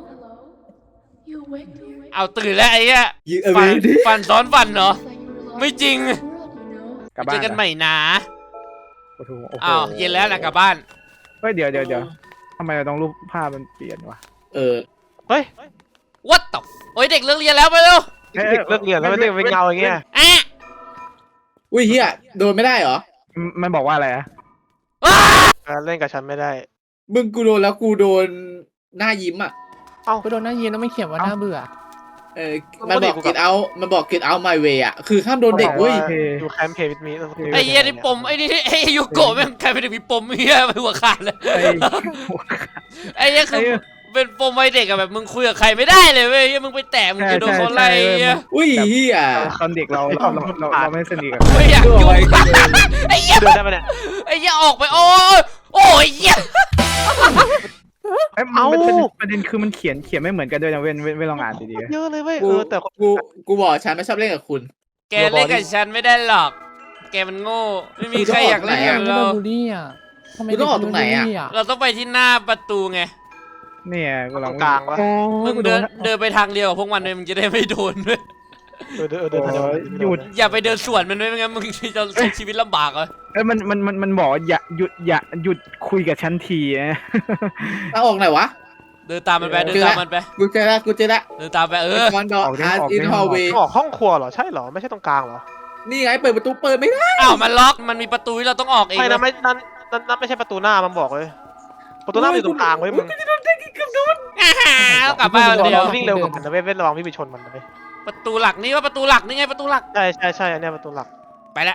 Speaker 5: You awake? You awake?
Speaker 1: เอาตื่นแล้วไอ้เหี้ย
Speaker 2: ยืนเอ
Speaker 1: ฝัน
Speaker 2: ดิ
Speaker 1: ฝันซ้อนฝันเหรอ
Speaker 5: It's like you were lost
Speaker 1: ไม่จริง
Speaker 5: in the world, you know?
Speaker 3: กลับ
Speaker 1: เจ
Speaker 3: บ้า
Speaker 1: อน กันใหม่นะ
Speaker 3: โอ้โหโอ้โห
Speaker 1: อ้าวเย็นแล้วนะกลับบ้าน
Speaker 3: เฮ้ยเดี๋ยวเดี๋ยวเดี๋ยวทำไมเราต้องรูปภาพมันเปลี่ยนวะ
Speaker 2: เออ
Speaker 4: เฮ้ย
Speaker 1: What the โอ้ยเด็กเลิกเรียนแล้วไปเร็ว
Speaker 4: เด็กเลิกเรียนแล้วไม่ได้เป็นเงาอย่างเงี้ย
Speaker 1: อ่ะ
Speaker 2: อุ้ยเฮียโดนไม่ได้เหรอ
Speaker 3: มันมันบอกว่าอะไรอะ
Speaker 1: อ้า
Speaker 4: อ่าเล่นกับฉันไม่ได้
Speaker 2: มึงกูโดนแล้วกูโดนหน้ายิ้มอ่ะ
Speaker 6: ก็โดนหน้าเย็นแล้วไม่เขียนว่าน่าเบื่อ
Speaker 2: เออ มันบอก get out มันบอก get out my way อ่ะ คือห้ามโดนเด็กเว้ย
Speaker 4: ดูแคมเพย์วิดมี
Speaker 1: ไอ้เหี้ยนี่ปมไอ้นี่ไอ้ยูโกะแม่งใครเป็นเด็กมีปมเหี้ยไปหัวขาดเลย
Speaker 3: ไอ้
Speaker 1: ไอ้เหี้ยคือเป็นปมวัยเด็กอะแบบมึงคุยกับใครไม่ได้เลยเว้ยเหี้ยมึงไปแตะมึงจะโดนเขาไล่เหี้ย
Speaker 2: อุ้ยเฮีย
Speaker 3: ตอนเด็กเราเราเราเราไม่สนิทกับ
Speaker 1: ไม่อยาก
Speaker 2: ตัว
Speaker 1: ยุ่ง
Speaker 2: ไว้กูโดน
Speaker 1: ไอ้เหี้ย
Speaker 4: เดินได้ปะเนี่ย
Speaker 1: ไอ้เหี้ยออกไปโอ้ยโอ้ยเหี้ย
Speaker 3: เอ้ยมันเป็นประเด็นคือมันเขียนเขียนไม่เหมือนกันด้วยนะเว้นเว้นเว้นลองอ่านดีๆ
Speaker 4: เยอะเลยเว้ย
Speaker 2: กู
Speaker 4: เออแต่
Speaker 2: กูกูบอกฉันไม่ชอบเล่นกับคุณ
Speaker 1: แกเล่นกับฉันไม่ได้หรอก แกมันโง่ ไม่มีใครอยากเล่นกับ
Speaker 6: ไม่โด
Speaker 1: เรา
Speaker 6: นบูลลี่อ่ะทำไม
Speaker 2: กูต้องออกตรงไหนอะ
Speaker 6: เด็กโดบูลลี่
Speaker 1: เราต้องไปที่หน้าประตูไง
Speaker 3: เนี่ยกูลอง
Speaker 4: กลางวะ
Speaker 3: โอ้
Speaker 1: มึงเดินเดินไปทางเดียวกับพวกมันเลยมึงจะได้ไม่โดนด้วย
Speaker 4: เออเดินเออเดินเดิน
Speaker 3: หยุด
Speaker 1: อย่าไปเดินสวนมันด้วยไม่งั้นมึงจะใช้ชีวิตลำบากเลย
Speaker 3: เอ้ยมันมันมันมันบอกอย่าหยุดอย่าหยุดคุยกับฉันทีนะ
Speaker 2: เอาออกไหนวะ
Speaker 1: เดินตามมันไปเดินตามมันไป
Speaker 2: กูเจอละกูเจอละ
Speaker 1: เดินตามไปเออ
Speaker 2: คอนดอร์อาร์อินฮอลเวย์
Speaker 4: ออกห้องครัวเหรอใช่เหรอไม่ใช่ตรงกลางเหรอ
Speaker 2: นี่ไงเปิดประตูเปิดไม่ได้
Speaker 1: อ้าวมันล็อกมันมีประตูที่เราต้องออกเอง
Speaker 4: ไม่
Speaker 1: เล
Speaker 4: นะ
Speaker 1: ย
Speaker 4: ไม่นั่นนั่นนั่นไม่ใช่ประตูหน้ามันบอกเลยประตูหน้ามันอยู่ตรงกลางเว้ยมึง
Speaker 1: อ่าฮะกลับบ้านคนเดียว
Speaker 4: วิ่งเร็วกว่ามันนะเว้ยเว้นระวังพี่ไปชนมันนะเว้ย
Speaker 1: ประตูหลักนี่ว่าประตูหลักนี่ไงประตูหลัก
Speaker 4: ใช่ใช่ใช่อันเนี้ยประตูหลัก
Speaker 1: ไปละ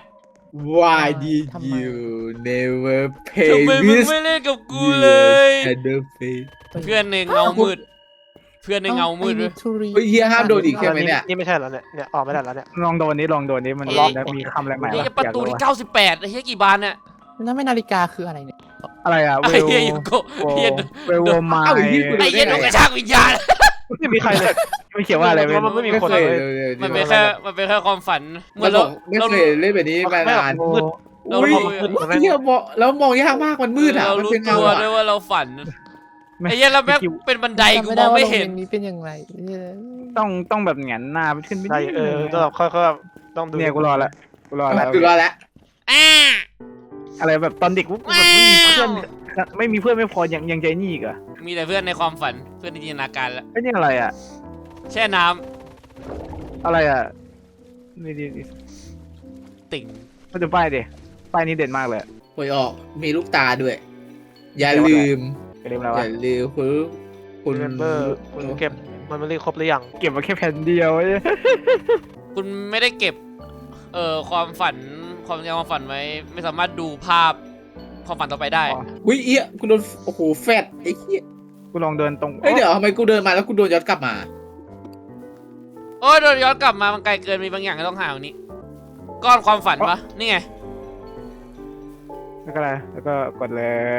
Speaker 2: Why did you never pay
Speaker 1: ทำไมมึง
Speaker 2: this
Speaker 1: ไม่เล่นกับกูเลย
Speaker 2: and the pay
Speaker 1: เพื่อนในเงามืด เพื่อนในเงามืด
Speaker 6: เล
Speaker 1: เลย ย
Speaker 2: เฮ้ยเฮียห้ามโดนอีกใช่ไหมเนี่ย
Speaker 4: นี่ไม่ใช่แล้วเนี่ยเนี่ยออกไม่ได้แล้วเนี่ย
Speaker 3: ลองโดนนี้ลองโดนนี้มัน
Speaker 1: เอ๊ะ
Speaker 3: ลองแล้วมีคำอะไรใหม่
Speaker 1: นี่
Speaker 3: วะ
Speaker 1: ประ
Speaker 3: อยาก
Speaker 1: ตู
Speaker 3: รู้
Speaker 1: ที่
Speaker 3: ว่า
Speaker 1: เก้าสิบแปดไอ้เหี้ยกี่บานเนี่ย
Speaker 6: แล้วไม่นาฬิกาคืออะไรเนี่ย
Speaker 3: อะไรอ่ะเว
Speaker 1: ไอ้
Speaker 3: ล
Speaker 1: เหี้ยยูโกะ
Speaker 3: โว
Speaker 1: เหี้ย
Speaker 3: เวลโวมา
Speaker 2: เอ้าไอ้เหี้ยกู
Speaker 1: ไอ้เหี้ยนกกระชากวิญญาณ
Speaker 4: ไม่มีใครเลย
Speaker 3: ไม่เขียนว่าอะไรเว้ย
Speaker 4: มันไม่มี
Speaker 2: ไม่
Speaker 4: คน
Speaker 2: เค
Speaker 4: เลย ย
Speaker 1: มันเป็นแค่มันเป็นแค่ความฝันเหมื
Speaker 2: มั
Speaker 1: อน น
Speaker 2: บ
Speaker 1: เรา
Speaker 2: อกไม่
Speaker 1: เรา
Speaker 2: เคยเล่นแบบนี้มานาน
Speaker 4: มืด
Speaker 1: เรา
Speaker 2: อุ้ย
Speaker 1: รู้
Speaker 2: เฮียมองแล้วมองยากมากมันมืดอ่ะ
Speaker 1: เรา
Speaker 2: มัน
Speaker 1: รู้
Speaker 2: เป็น
Speaker 1: ตั
Speaker 2: เงาว อ่ะ
Speaker 1: ด้วยว่าเราฝัน
Speaker 3: ไม่
Speaker 1: ไอ้เหี้ยแล้วแม่งเป็นบันไดกู
Speaker 6: จำ
Speaker 1: มองไม่
Speaker 6: ด้ว่า
Speaker 1: เห็น
Speaker 6: โรงรียนี้เป็นยังไงเนี่ย
Speaker 3: ต้องต้องแบบแหงนหน้าขึ้นไป
Speaker 4: ใช่เออต้องแบบค่อยๆต้องดู
Speaker 3: เนี่ยกูรอละกูรอแล้ว
Speaker 2: กูรอแล้ว
Speaker 1: อ่า
Speaker 3: อะไรแบบตอนเด็กกูแบบไม่มีเพื่อนไม่มีเพื่อนไม่พอยังยังใจนี่อีกเหรอ
Speaker 1: มีแต่เพื่อนในความฝันเพื่อนในจินตนาการแล้ว
Speaker 3: ไอ้นี่อะไรอ่ะ
Speaker 1: แช่น้
Speaker 3: อะไรอ่ะนี่ดิ
Speaker 1: ำติ่ง
Speaker 3: มาดูป้ายดิป้ายนี้เด่นมากเลย
Speaker 2: หวยออกมีลูกตาด้วย อย่าลืม
Speaker 3: อย่าลืมแล้ว
Speaker 2: อ
Speaker 3: ว่า
Speaker 2: ย่าลืมคุณคุณ
Speaker 4: เมมเบอร์คุณเก็บมันไม่รีครบหรือยัง
Speaker 3: เก็บมาแค่แผ่นเดียว
Speaker 1: คุณไม่ได้เก็บเอ่อความฝันความจำความฝันไว้ไม่สามารถดูภาพความฝันต่อไปได้
Speaker 2: อุ้ยเอี้ยกูโดนโอ้โหแฟดไอ้เหี้ย
Speaker 3: กูลองเดินตรง
Speaker 2: เอ้ยเดี๋ยวทำไมกูเดินมาแล้วกูโดนย้อนกลับมา
Speaker 1: โอ้ยโดนย้อนกลับมามันไกลเกินมีบางอย่างที่ต้องหาวันนี้ ก้อนความฝันปะนี่ไง
Speaker 3: แล้วก็อะไรแล้วก็กดเลย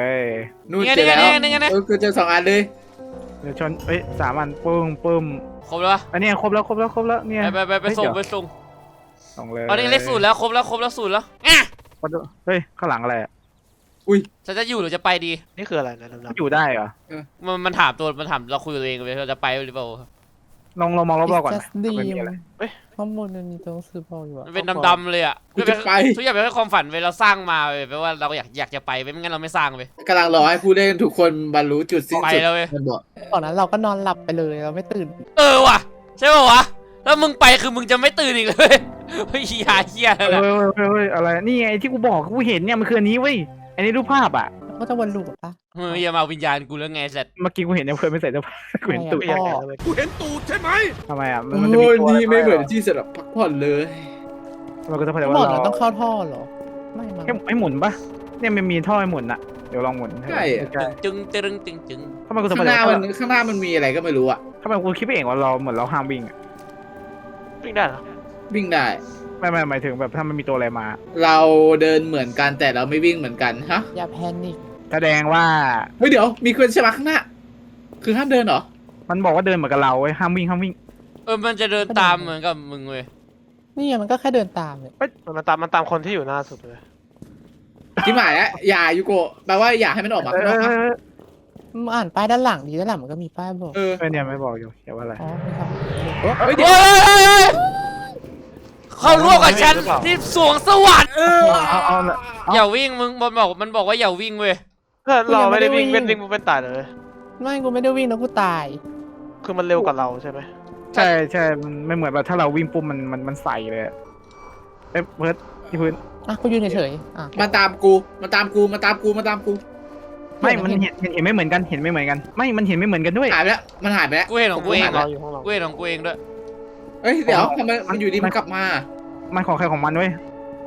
Speaker 2: นู่น
Speaker 1: นี่ไง
Speaker 2: เจอแล้ว
Speaker 1: นี่ไงนี่ไงนี่ไง
Speaker 2: เออกูเจอสองอันเลย
Speaker 3: เดี๋ยวชนเอ้ยสามอันปึ้มปึ้ม
Speaker 1: ครบแล้วปะ
Speaker 3: อันนี้ครบแล้วครบแล้วครบแล้วเนี่ย
Speaker 1: ไปไปไปไปส่งไปส่ง
Speaker 3: ส่งเลย
Speaker 1: อันนี้เลขศูนย์แล้วครบแล้วครบแล้วศูนย์แล้วอ่ะ
Speaker 3: เฮ้ยข้างหลังอะไรอ่ะ
Speaker 1: ฉันจะอยู่หรือจะไปดี
Speaker 4: นี่คืออะไรนะดำ
Speaker 3: อยู่ได้เหรอ
Speaker 1: มันมันถามตัวมันถามเราคุยกับตัวเองเลยเราจะไปหรือเปล่า
Speaker 3: ลองลองมองรอบๆก่อน
Speaker 6: It's
Speaker 3: นะ
Speaker 6: just dream
Speaker 3: ไม่มีอะไร
Speaker 6: ข้างบนมันมีตัวหนังสือบอกอยู่อะ
Speaker 1: มันเป็นดำๆเลยอ่ะ
Speaker 2: กูจะไป
Speaker 1: ทุกอย่างเป็นแค่ความฝันเว้ยเราสร้างมาเว้ยแปลว่าเราอยากอยากจะไปเว้ยไม่งั้นเราไม่สร้างเว้ย
Speaker 2: กำลังรอให้ผู้เล่นทุกคนบรรลุจุดสิ้น
Speaker 1: ไป
Speaker 2: สุด
Speaker 1: แล้วเว้ย
Speaker 2: มันบอก
Speaker 6: ก่อนนั้นเราก็นอนหลับไปเลยเราไม่ตื่น
Speaker 1: เออว่ะใช่ป่าวะแล้วมึงไปคือมึงจะไม่ตื่นอีกเลยเฮ้ยยาเฮีย
Speaker 3: เฮ้
Speaker 1: แล้ว
Speaker 3: ย
Speaker 1: นะ
Speaker 3: เฮ้ยเฮ้ยอะไรนี่ไงที่กูบอกกูเห็นเนี่ยมันคืออันนี้เว้ยอันนี้รูปภาพอ่ะ
Speaker 6: ก็จะวนลูปปะ
Speaker 1: เฮ้ยอย่ามาวิญญาณกูแล้วไงเสร็จ
Speaker 3: เมื่อกี้กูเห็นเนี่ยเพื่อนไม่ใส่เสื้อผ้ากูเห็นตูด
Speaker 4: ไม่อยากเลย
Speaker 3: ทำไมอ่ะมันมันจะ
Speaker 2: โอ้
Speaker 3: มี
Speaker 2: ย
Speaker 3: ตัว
Speaker 2: นี่ไม่เหมือนที่สำหรับพักผ่อนเลย
Speaker 3: มันก็จะแปล
Speaker 6: บ
Speaker 3: ว่า
Speaker 6: อก
Speaker 3: เรา
Speaker 6: เราต้องเข้าท่อเหรอ ไม่มา
Speaker 3: ให้ให้หมุนปะเนี่ยมันมีท่อให้หมุนอ่ะเดี๋ยวลองหมุน
Speaker 2: ใช่อะ
Speaker 3: ใช่
Speaker 1: จึงจึงจึงจึง
Speaker 3: ทำไมกู
Speaker 2: ข้าง
Speaker 3: ทำไม
Speaker 2: หน้ามันข้างหน้ามันมีอะไรก็ไม่รู้อะ
Speaker 3: ทำไมกูคิดไปเองว่าเราเหมือนเราห้ามวิ่งอะ
Speaker 4: วิ่งได้เหรอ
Speaker 2: วิ่งได้
Speaker 3: ไม่ไม่หมายถึงแบบถ้ามันมีตัวอะไรมา
Speaker 2: เราเดินเหมือนกันแต่เราไม่วิ่งเหมือนกันฮะ
Speaker 6: อย่าแพนิค
Speaker 3: แสดงว่า
Speaker 2: เฮ้ยเดี๋ยวมีคนใช่ไหมข้างหน้า คือห้ามเดินเหรอ
Speaker 3: มันบอกว่าเดินเหมือนกับเราเว้ยห้ามวิ่งห้ามวิ่ง
Speaker 1: เออมันจะเดินตามเหมือนกับมึงเว้ย
Speaker 6: นี่ไงมันก็แค่เดินตามเนี่ย
Speaker 4: มันตามมันตามคนที่อยู่หน้าสุดเลย
Speaker 2: ที่หมายแล้วอย่ายูโกะแปลว่าอย่าให้มันออกมา
Speaker 3: เอ
Speaker 2: ข้างนอก
Speaker 3: อ
Speaker 2: นะ
Speaker 6: มึงอ่านป้ายด้านหลังดีด้านหลังมันก็มีป้ายบอก
Speaker 2: เออ
Speaker 3: เออเนี่ยไม่บอกอยู่เขียนว่าอะไร
Speaker 6: อ๋อมีคำโอ้
Speaker 2: เฮ้ย
Speaker 1: เฮ้
Speaker 2: เดี๋ยวย
Speaker 1: เข้าร่วมกับฉันที่สวงสวรรค์
Speaker 2: เออ
Speaker 3: เอาเอาเอา
Speaker 1: อย่าวิ่งมึงมันบอกมันบอกว่าอย่าวิ่งเว้ย
Speaker 4: เพื่อนเราไม่ได้วิ่งเป็นวิ่งเป็นตายเลย
Speaker 6: ไม่กูไม่ได้วิ่งแล้วกูตาย
Speaker 4: คือมันเร็วกว่าเราใช่ไหม
Speaker 3: ใช่ใช่มันไม่เหมือนแบบถ้าเราวิ่งปุ๊บมันมันมันใส่เลยอะเอ้ยเพิร์ดที่พื้น
Speaker 6: อ่ะกูยืนเฉยๆอ่ะ
Speaker 2: มาตามกูมาตามกูมาตามกูมาตามกู
Speaker 3: ไม่มันเห็นเห็นเห็นไม่เหมือนกันเห็นไม่เหมือนกันไม่มันเห็นไม่เหมือนกันด้วย
Speaker 2: หายไปแล้วมันหายไปแล้ว
Speaker 1: กูเห็นของกูเอง
Speaker 2: หายไป
Speaker 1: อะ
Speaker 2: แล้ว
Speaker 4: เราอยู่ข้างเรา
Speaker 1: กูเห็นของกูเองด้วย
Speaker 2: เอ้ยเดี๋ยวทำไมมันอยู่ดีมันกลับมา
Speaker 3: มันของใครของมันเว้ย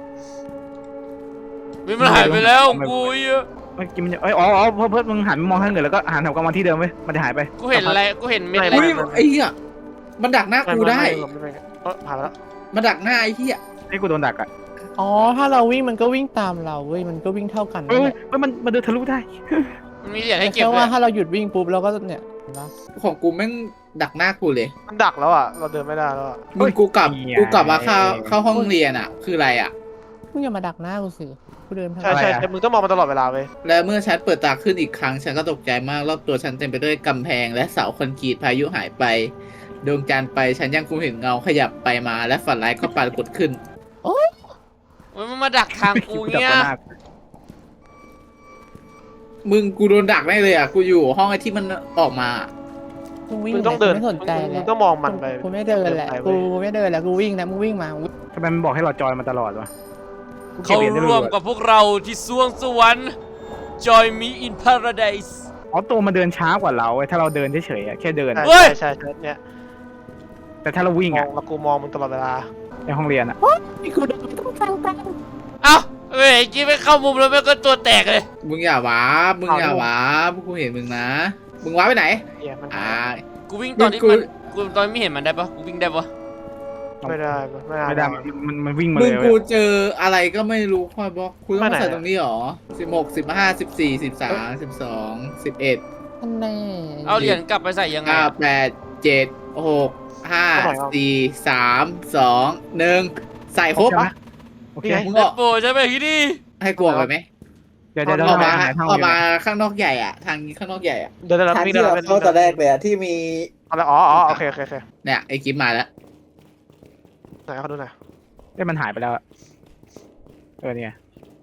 Speaker 1: มันหายไปแล้วของกูเยอะ
Speaker 3: เมื่อกี้มันเอ้ยอ๋ออ๋อเพิร์ดเพิร์ดมึงหันมองทางอื่นแล้วก็หันกลับมาที่เดิมเว้ยมันจะหายไป
Speaker 1: กูเห็นอะไรกูเห็นเม็ดอะไร
Speaker 2: อุ้ยไอ้เหี้ยมันดักหน้ากูได้
Speaker 4: ม่ม่ไม่ไม่เออผ่านไปแล้ว
Speaker 2: มันดักหน้าไอ้เหี้ย
Speaker 3: ไอ้กูโดนดักอ่ะ
Speaker 6: อ๋อถ้าเราวิ่งมันก็วิ่งตามเราเว้ยมันก็วิ่งเท่ากัน
Speaker 3: เฮ้
Speaker 6: นั่
Speaker 3: ย
Speaker 6: นแหละ
Speaker 3: เฮ้ยมันมันเดินทะลุได้
Speaker 1: มันมีเหรียญ
Speaker 6: แต่
Speaker 1: ให้เก็บ
Speaker 6: แค่
Speaker 1: ด้ว
Speaker 6: ว่าย ถ้าเราหยุดวิ่งปุ๊บเราก็เนี่ยเห็นปะ
Speaker 2: ของกูแม่งดักหน้ากูเลย
Speaker 4: มันดักแล้วอ่ะเราเดินไม่ได้แล้วอะ
Speaker 2: มึงกูกลับกูกลับมาเข้าเข้าห้องเรียนอ่ะ คืออะไรอ่ะ
Speaker 6: มึงอย่ามาดักหน้ากูสิกูเดินทาง
Speaker 4: ใช่ใช่ใช่มึงต้องมองมันตลอดเวลาเว้ย
Speaker 2: และเมื่อฉันเปิดตาขึ้นอีกครั้ง ฉันก็ตกใจมากรอบตัวฉันเต็มไปด้วยกำแพงและเสาคอนกรีตพายุหายไปดวงจันทร์ไปฉันยังคงเห็นเงาขยับไปมาและฝันร้ายก็ปรากฏขึ้น
Speaker 1: มันมาดักทางกูเงี้ย
Speaker 2: มึงกูโดนดักแน่เลยอ่ะ กูอยู่ห้องไอ้ที่มันออกมา
Speaker 6: กูวิ่ง
Speaker 4: มึงต้องเดิน
Speaker 6: ไม่สนใจ
Speaker 4: มึง
Speaker 6: แห
Speaker 4: มึ
Speaker 6: ละ
Speaker 4: งต้องมองมันไป
Speaker 6: กูไม่เดินแหละ
Speaker 4: เดินไป
Speaker 6: กู
Speaker 4: เว้ย
Speaker 6: ไม่เดินแหละกูวิ่งนะมึงวิ่งมามึง
Speaker 3: ทำไมมันบอกให้เราจอยมาตลอดวะ
Speaker 1: เขาร่วมกับพวกเราที่สวงสวรรค์ Join me in paradise
Speaker 3: อ๋อตัวมันเดินช้ากว่าเราเว้ยถ้าเราเดินเฉยๆอะแค่เดิน
Speaker 4: ใช่
Speaker 1: เฮ้ย
Speaker 4: ใช่ใช่เนี่ย
Speaker 3: แต่ถ้าเราวิ่ง
Speaker 4: มอ
Speaker 3: อ่ะ
Speaker 4: งแล้วกูมองมึงตลอดเวลา
Speaker 3: ในห้องเรียนอ่ะ
Speaker 6: นี่กูเดินต้องฟังกัน
Speaker 1: เอ้าเฮ้ยกี้ไม่เข้ามุมแล้วแม่งก็ตัวแตกเลย
Speaker 2: มึงอย่าว้าบมึงอย่าว้าบกูเห็นมึงนะ มึงว้าไปไหน
Speaker 4: เหี้ยมัน
Speaker 2: อ่า
Speaker 1: กูวิ่งตอนที่
Speaker 2: มึงกู
Speaker 1: มันกูตอนไม่เห็นมันได้ปะกูวิ่งได้ปะ
Speaker 4: ไม่ได้ไม่ได้
Speaker 3: ไม่ได้มันมันมันวิ่งมา
Speaker 2: มึ
Speaker 3: เล
Speaker 2: ง
Speaker 3: ย
Speaker 2: กู
Speaker 3: เว้ย
Speaker 2: เจออะไรก็ไม่รู้คอยบอกกูต้อง
Speaker 4: ไม่
Speaker 2: มา
Speaker 4: ไหน
Speaker 2: ใส่ตรงนี้หรอสิบหกสิบห้าสิบสี่สิบสามสิบสองสิบเอ็ด
Speaker 6: อันแน่
Speaker 1: เอาเหรียญกลับไปใส่ยังไง
Speaker 2: เก้าแปดเจ็ดหกห้าสี่สามสองหนึ่งใส่ครบ
Speaker 3: ใช่ไหมโอเค
Speaker 2: มึง
Speaker 1: เด็
Speaker 2: อ
Speaker 1: ด
Speaker 2: อก
Speaker 1: โปรใช่ไหมที่นี่
Speaker 2: ให้กลัวไปไหม
Speaker 3: เดี๋ยวเดี๋ยวเดี๋ยว
Speaker 2: ออก
Speaker 3: ไป
Speaker 2: มา
Speaker 3: หาห้อง
Speaker 2: ออก
Speaker 3: เรียน
Speaker 2: มา
Speaker 3: อะ
Speaker 2: ข้างนอกใหญ่อะทางนี้ข้างนอกใหญ่อะ
Speaker 4: เดินได้แล้ว
Speaker 7: ทาง
Speaker 4: วิ่ง
Speaker 7: ที่
Speaker 4: ได้
Speaker 7: เรา
Speaker 4: แล้ว
Speaker 7: เข้าตอนแรกเลยอะที่มี
Speaker 4: อะไรอ๋ออ๋อโอเคโอเคโอเค
Speaker 2: เนี่ยไอ้กิฟมาแล้ว
Speaker 4: ไหนเขาดูหน่อย
Speaker 3: เอ้ยมันหายไปแล้วอะเออเนี่ย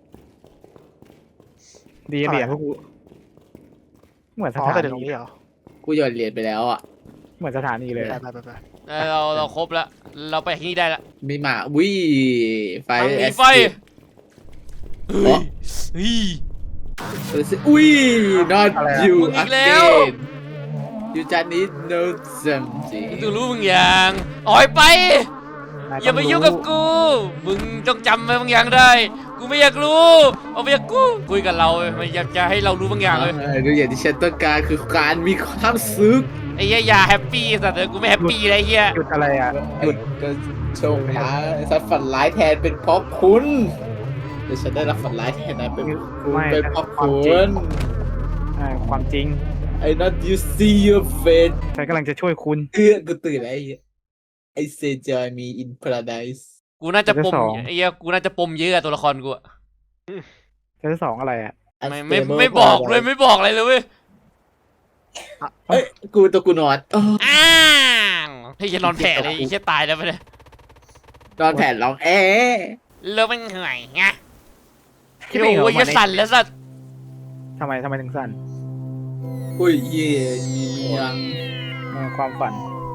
Speaker 3: ดีเหรียญพวกกูเหมือนส
Speaker 4: อ๋อ
Speaker 3: ถา
Speaker 4: แต่เดี๋ยวตร
Speaker 3: นี
Speaker 4: งนี้เหรอ
Speaker 2: กูโยนเหรียญไปแล้วอะ
Speaker 3: เหมือนสถานีเลย
Speaker 4: ไป
Speaker 3: อะ
Speaker 4: ไปไปไป
Speaker 1: เออเราเราครบแล้ว เราไปที่นี่ได้ละ
Speaker 2: มีหมาวิไฟ
Speaker 1: มันมี
Speaker 2: แอส
Speaker 1: ไฟ
Speaker 2: ซิด
Speaker 1: เฮ้ยเฮ้ย
Speaker 2: อุ้ย not you
Speaker 1: มึงอีกแล้ว
Speaker 2: again you just need know something
Speaker 1: มึงต้องรู้มึงอย่างออยไป
Speaker 3: น
Speaker 1: อย่ามายุ่งกับกู มึงต้องจำไว้บางอย่างได้ กูไม่อยากรู้ เอาไปอยากกู คุยกับเราไม่อยากจะให้เรารู้บางอย่างเลย
Speaker 2: เออดูอย่างที่ฉันต้องการคือการมีความสุข
Speaker 1: ไอ้เหี้ยอย่าแฮปปี้สัตว์เลยกูไม่แฮปปี้เลยไอ้เหี้ย
Speaker 3: หยุดอะไรอ่ะหยุด
Speaker 2: ก็โชคร้ายสัตว์ฝันร้ายแทนเป็นเพราะคุณเดี๋ยวฉันได้รับฝันร้ายแทนนะเป็นคุณ
Speaker 3: ไม่
Speaker 2: เป็นเพราะ
Speaker 3: ความ
Speaker 2: คุ
Speaker 3: จริง
Speaker 2: ณ
Speaker 3: อ่าความจริง
Speaker 2: I not you see your face
Speaker 3: ฉันกำลังจะช่วยคุณ
Speaker 2: เอื้อกูตื่นแล้วไอ้เหี้ย I say join me in paradise
Speaker 1: กูน่าจะปม
Speaker 3: เดี๋ยวสอง
Speaker 1: ไอ้เหี้ยกูน่าจะปมเยอะอะตัวละครกูอะ
Speaker 3: เจะสองอะไรอ่ะ
Speaker 1: ไม่ไม่ไม่บอกเลยไม่บอกอะไรเลยเว้ย
Speaker 2: เอ้ยกูตัวกูนอนเออ
Speaker 1: อ้าวเฮ้ยจะนอนแผ่เลยไอ้เหี้ยตายแล้วไปเลย
Speaker 2: นอนแผ่นร้องเอ๊ะ
Speaker 1: เลิกมันเหนื่อยไง
Speaker 3: คิด
Speaker 1: โอ้
Speaker 3: เองเหรอ
Speaker 1: โหจะสั่นแล้วสัตว์
Speaker 3: ทำไมทำไมถึงสั้น
Speaker 2: อุ้ยเย่มีเมียง
Speaker 3: ในความฝัน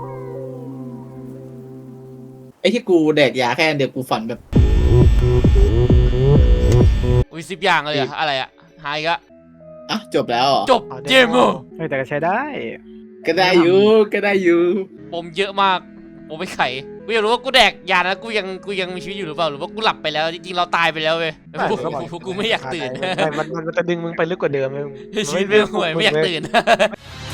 Speaker 2: ไอ้ที่กูแดกยาแค่อันเดียวกูฝันแบบ
Speaker 1: อุ้ยสิบอย่างเลยอะอะไรอะหายก็
Speaker 2: อ่ะจบแล้วเหรอ
Speaker 1: จบเกมโอ
Speaker 3: เฮ้ยแต่ก็ใช้ได้
Speaker 2: ก็ได้อยู่ก็ได้อยู่
Speaker 1: ปมเยอะมากผมไปไขกูอยากรู้ว่ากูแดกยาแล้วกูยังกูยังมีชีวิตอยู่หรือเปล่าหรือว่ากูหลับไปแล้วจริงๆเราตายไปแล้วเว้ยพวกพวกกูไม่อยากตื่น
Speaker 4: ไม่มันมันจะดึงมึงไปลึกกว่าเดิมเลย
Speaker 1: ชีวิตไม่ห่วยไม่อยากตื่น